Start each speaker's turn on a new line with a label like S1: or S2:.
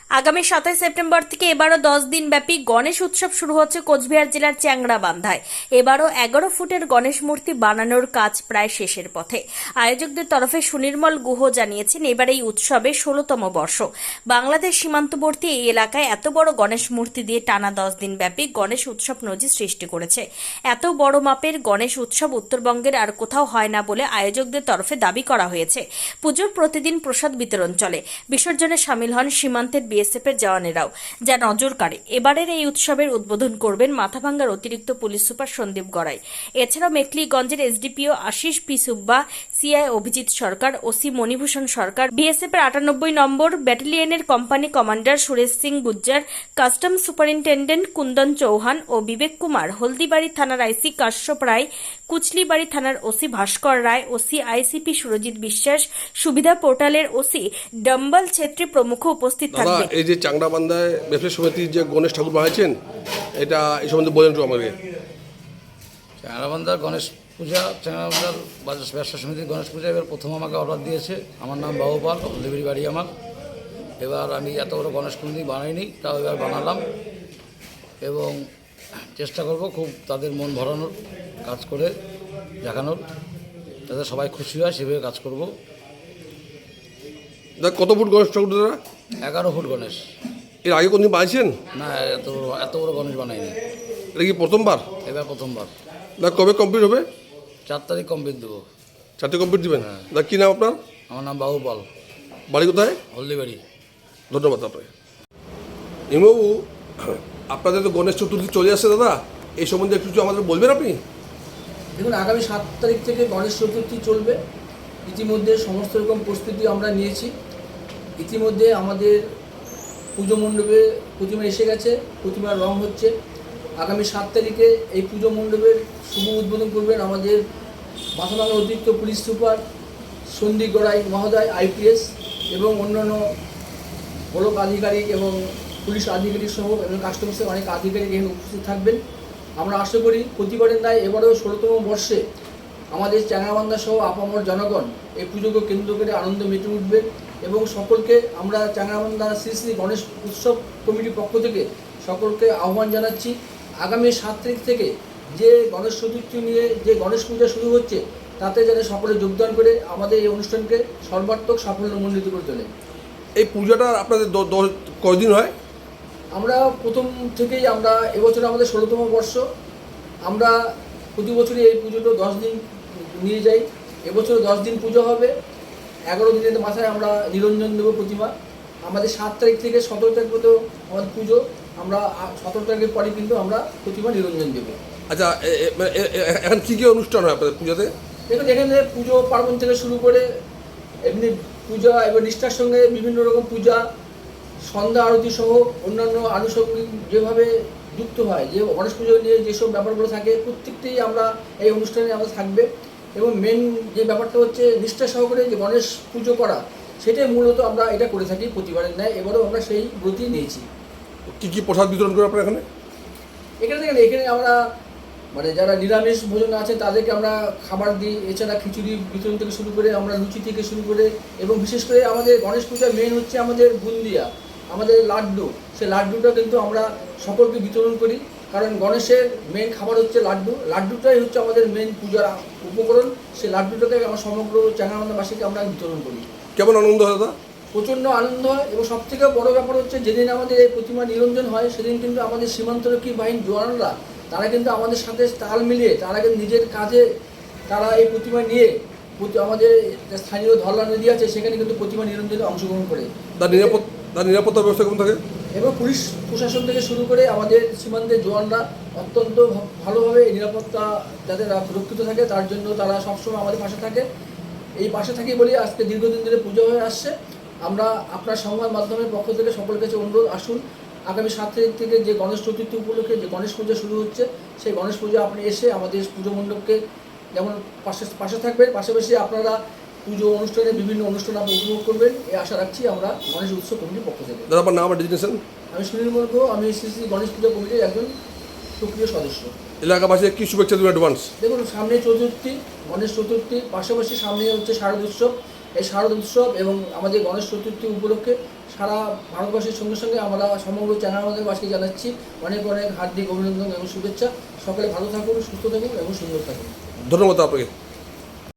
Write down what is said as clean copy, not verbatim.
S1: আগামী 27 সেপ্টেম্বর থেকে এবারও 10 দিন ব্যাপী গণেশ উৎসব শুরু হচ্ছে কোচবিহার জেলার চ্যাংড়াবান্ধায়। এবারও 11 ফুটের গণেশ মূর্তি বানানোর কাজ প্রায় শেষের পথে। আয়োজকদের তরফে সুনির্মল গুহ জানিয়েছেন, এবার এই উৎসবে 16তম বর্ষ। বাংলাদেশ সীমান্তবর্তী এই এলাকায় এত বড় গণেশ মূর্তি দিয়ে টানা 10 দিন ব্যাপী গণেশ উৎসব নজির সৃষ্টি করেছে। এত বড় মাপের গণেশ উৎসব উত্তরবঙ্গের আর কোথাও হয় না বলে আয়োজকদের তরফে দাবি করা হয়েছে। পুজোর প্রতিদিন প্রসাদ বিতরণ চলে। বিসর্জনে সামিল হন সীমান্তের বিএসএফ এর জওয়ানেরাও, যা নজর কাড়ে। এবারের এই উৎসবের উদ্বোধন করবেন মাথাভাঙ্গার অতিরিক্ত পুলিশ সুপার সন্দীপ গড়াই। এছাড়াও মেখলিগঞ্জের SDPO Ashis P Subba, CI Abhijit Sarkar, OC Manibhushan Sarkar, BSF এর 98 নম্বর ব্যাটালিয়নের company commander Suresh Singh Gujjar, custom superintendent Kundan Chauhan ও বিবেক কুমার, হলদিবাড়ি থানার আইসি কাশ্যপ রায়, কুচলিবাড়ি থানার OC Bhaskar Roy, OC ICP Surajit Biswas, সুবিধা পোর্টালের ওসি ডম্বল ছেত্রী প্রমুখ উপস্থিত থাকবেন।
S2: এই যে চাংড়াবান্ধায় ব্যবসায়ী সমিতির যে গণেশ ঠাকুর বানাইছেন, এটা এই সম্বন্ধে বলেন তো আমাকে।
S3: চাংড়াবান্ধার গণেশ পূজা, চাংড়াবান্ধার ব্যবসা সমিতির গণেশ পূজা এবার প্রথম আমাকে অর্ডার দিয়েছে। আমার নাম বাহুপাল, হলদিবাড়ি বাড়ি আমার। এবার আমি এত বড় গণেশ কোনোদিন বানাইনি, তাও এবার বানালাম এবং চেষ্টা করব খুব তাদের মন ভরানোর কাজ করে দেখানোর, যাতে সবাই খুশি হয় সেভাবে কাজ করব।
S2: কত ফুট গণেশ ঠাকুর দাদা?
S3: 11 ফুট গণেশ।
S2: এর আগে কোনদিন বানিয়েছেন?
S3: না, এত বড় গণেশ বানাইনি,
S2: এটা কি প্রথমবার?
S3: এবার প্রথমবার।
S2: কবে কমপ্লিট হবে?
S3: 4 তারিখ কমপ্লিট দেবো।
S2: 4 কমপ্লিট দিবেন?
S3: হ্যাঁ।
S2: কী নাম আপনার?
S3: আমার নাম বাহুপাল,
S2: বাড়ি কোথায়?
S3: হলদিবাড়ি।
S2: ধন্যবাদ আপনাকে। হিমবাবু, আপনাদের তো গণেশ চতুর্থী চলে আসছে দাদা, এই সম্বন্ধে একটু কিছু আমাদের বলবেন আপনি?
S4: দেখুন, আগামী 7 তারিখ থেকে গণেশ চতুর্থী চলবে। ইতিমধ্যে সমস্ত রকম প্রস্তুতি আমরা নিয়েছি। ইতিমধ্যে আমাদের পুজো মণ্ডপে প্রতিমা এসে গেছে, প্রতিমার রং হচ্ছে। আগামী 7 তারিখে এই পুজো মণ্ডপের শুভ উদ্বোধন করবেন আমাদের মাথাভাঙ্গা অতিরিক্ত পুলিশ সুপার সন্দীপ গড়াই মহোদয়, আইপিএস, এবং অন্যান্য ব্লক আধিকারিক এবং পুলিশ আধিকারিক সহ এবং কাস্টমসের অনেক আধিকারিক এখানে উপস্থিত থাকবেন। আমরা আশা করি প্রতিবারের ন্যায় এবারেও 16তম বর্ষে আমাদের চ্যাংড়াবান্ধা সহ আপামর জনগণ এই পুজোকে কেন্দ্র করে আনন্দ মেতে উঠবে এবং সকলকে আমরা চ্যাংড়াবান্ধা শ্রী শ্রী গণেশ উৎসব কমিটির পক্ষ থেকে সকলকে আহ্বান জানাচ্ছি। আগামী 7 তারিখ থেকে যে গণেশ চতুর্থী নিয়ে যে গণেশ পূজা শুরু হচ্ছে, তাতে যাতে সকলে যোগদান করে আমাদের এই অনুষ্ঠানকে সর্বাত্মক সাফল্যমণ্ডিত করে তোলে।
S2: এই পূজাটা আপনাদের কয়দিন হয়?
S4: আমরা প্রথম থেকেই এবছর আমাদের 16তম বর্ষ। আমরা প্রতি বছরই এই পুজোটা 10 দিন নিয়ে যাই। এবছর 10 দিন পুজো হবে। 11 দিনের মাথায় আমরা নিরঞ্জন দেবো প্রতিমা। আমাদের 7 তারিখ থেকে 17 তারিখ পর্যন্ত আমাদের পুজো। আমরা 17 তারিখের পরে কিন্তু আমরা প্রতিমা নিরঞ্জন দেবো।
S2: আচ্ছা, এখন কী কী অনুষ্ঠান হয় আপনাদের পুজোতে?
S4: দেখুন, এখানে পুজো পার্বণ থেকে শুরু করে এমনি পূজা এবং নিষ্ঠার সঙ্গে বিভিন্ন রকম পূজা, সন্ধ্যা আরতি সহ অন্যান্য আনুষঙ্গিক যেভাবে যুক্ত হয়, যে গণেশ পুজো নিয়ে যেসব ব্যাপারগুলো থাকে প্রত্যেকটাই আমরা এই অনুষ্ঠানে আমরা থাকবে। এবং মেন যে ব্যাপারটা হচ্ছে নিষ্ঠা সহকারে যে গণেশ পুজো করা, সেটাই মূলত আমরা এটা করে থাকি প্রতিবারের ন্যায়। এবারেও আমরা সেই ব্রতই নিয়েছি।
S2: কী কী প্রসাদ বিতরণ করে আপনার এখানে?
S4: এখানে আমরা যারা নিরামিষ ভোজন আছে তাদেরকে আমরা খাবার দিই। এছাড়া খিচুড়ি বিতরণ থেকে শুরু করে আমরা লুচি থেকে শুরু করে, এবং বিশেষ করে আমাদের গণেশ পূজার মেন হচ্ছে আমাদের বুন্দিয়া, আমাদের লাড্ডু। সেই লাড্ডুটা কিন্তু আমরা সকলকে বিতরণ করি, কারণ গণেশের মেন খাবার হচ্ছে লাড্ডু। লাড্ডুটাই হচ্ছে আমাদের মেন পূজার উপকরণ। সেই লাড্ডুটাকে আমরা সমগ্র চ্যাংড়াবান্ধাবাসীকে আমরা বিতরণ করি।
S2: কেমন আনন্দ হয় দাদা?
S4: প্রচণ্ড আনন্দ হয়। এবং সবথেকে বড় ব্যাপার হচ্ছে যেদিন আমাদের এই প্রতিমা নিরঞ্জন হয়, সেদিন কিন্তু আমাদের সীমান্তরক্ষী বাহিনীর জওয়ানরা তারা কিন্তু আমাদের সাথে তাল মিলিয়ে তারা কিন্তু নিজের কাজে তারা এই প্রতিমা নিয়ে আমাদের স্থানীয় ধরলা নদী আছে, সেখানে কিন্তু প্রতিমা নিরঞ্জনে অংশগ্রহণ করে।
S2: তার নিরাপত্তা ব্যবস্থা কেমন থাকে?
S4: এবং পুলিশ প্রশাসন থেকে শুরু করে আমাদের সীমান্তের জওয়ানরা অত্যন্ত ভালোভাবে এই নিরাপত্তা যাতে সুরক্ষিত থাকে তার জন্য তারা সবসময় আমাদের পাশে থাকে। এই পাশে থাকি বলেই আজকে দীর্ঘদিন ধরে পুজো হয়ে আসছে। আমরা আপনার সংবাদ মাধ্যমের পক্ষ থেকে সকলের কাছে অনুরোধ, আসুন আগামী 7 তারিখ থেকে যে গণেশ চতুর্থী উপলক্ষে যে গণেশ পূজা শুরু হচ্ছে, সেই গণেশ পূজা আপনি এসে আমাদের পুজো মণ্ডপকে যেমন পাশে থাকবেন, পাশাপাশি আপনারা পুজো অনুষ্ঠানে বিভিন্ন অনুষ্ঠান আপনি উপভোগ করবেন, এই আশা রাখছি আমরা গণেশ উৎসব কমিটির পক্ষ থেকে।
S2: দাদা, আপনার নাম আর ডেজিগনেশন?
S4: আমি সুনির্মল গুহ, আমি শ্রী শ্রী গণেশ পূজা কমিটির একজন সক্রিয় সদস্য।
S2: এলাকাবাসী কী শুভেচ্ছা দেবেন অ্যাডভান্স?
S4: দেখুন, সামনে চতুর্থী, গণেশ চতুর্থী, পাশাপাশি সামনে হচ্ছে শারদ উৎসব। এই শারদ উৎসব এবং আমাদের গণেশ চতুর্থী উপলক্ষে সারা ভারতবর্ষের সঙ্গে সঙ্গে আমরা সমগ্র চ্যাংড়াবান্ধাবাসীকে জানাচ্ছি অনেক অনেক হার্দিক অভিনন্দন এবং শুভেচ্ছা। সকলে ভালো থাকুন, সুস্থ থাকুন এবং সুন্দর থাকুন।
S2: ধন্যবাদ আপনাকে।